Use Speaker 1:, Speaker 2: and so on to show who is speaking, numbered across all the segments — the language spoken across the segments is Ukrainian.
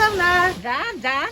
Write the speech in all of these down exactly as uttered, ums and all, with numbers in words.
Speaker 1: Михайловна!
Speaker 2: Да, да.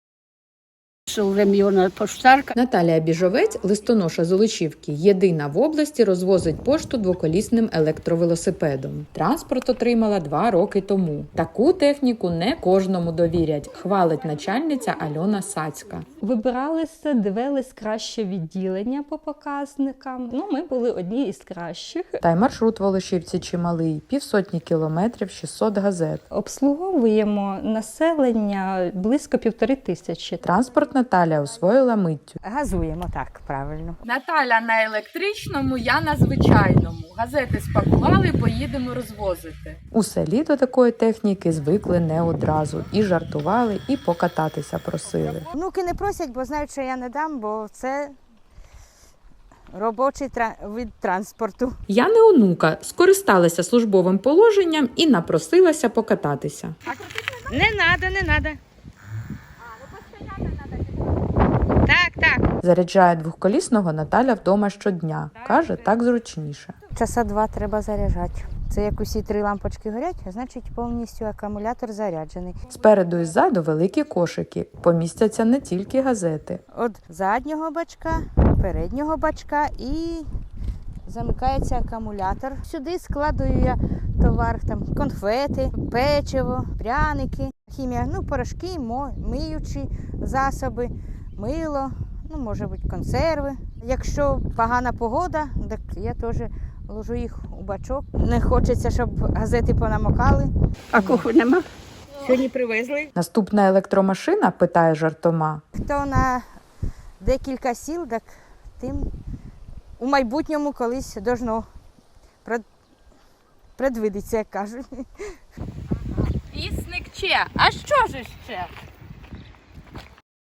Speaker 1: Поштарка.
Speaker 3: Наталія Біжовець, листоноша Золочівки, єдина в області розвозить пошту двоколісним електровелосипедом. Транспорт отримала два роки тому. Таку техніку не кожному довірять, хвалить начальниця Альона Сацька.
Speaker 4: Вибиралися, дивились краще відділення по показникам. Ну, ми були одні із кращих.
Speaker 3: Та й маршрут в Волошівці чималий – півсотні кілометрів, шістсот газет.
Speaker 4: Обслуговуємо населення близько півтори тисячі.
Speaker 3: Транспорт Наталя освоїла миттю.
Speaker 2: Газуємо так, правильно.
Speaker 5: Наталя на електричному, я на звичайному. Газети спакували, поїдемо розвозити.
Speaker 3: У селі до такої техніки звикли не одразу. І жартували, і покататися просили.
Speaker 2: Внуки не просять, бо знають, що я не дам, бо це робочий тра- вид транспорту.
Speaker 3: Я не онука, скористалася службовим положенням і напросилася покататися.
Speaker 2: Не треба, не треба. Так, так.
Speaker 3: Заряджає двохколісного Наталя вдома щодня. Каже, так зручніше.
Speaker 2: Часа два треба заряджати. Це як усі три лампочки горять, а значить повністю акумулятор заряджений.
Speaker 3: Спереду і ззаду великі кошики. Помістяться не тільки газети.
Speaker 2: От заднього бачка, переднього бачка і замикається акумулятор. Сюди складую я товар, там конфети, печиво, пряники, хімія, ну порошки, мо- миючі засоби, мило, ну може бути консерви. Якщо погана погода, так я теж ложу їх у бачок. Не хочеться, щоб газети понамокали.
Speaker 1: А куху нема?
Speaker 2: Сьогодні привезли.
Speaker 3: Наступна електромашина, питає жартома.
Speaker 2: Хто на декілька сіл, так тим у майбутньому колись должно пред- предвидиться, як кажуть.
Speaker 5: Пісник че? А що ж ще?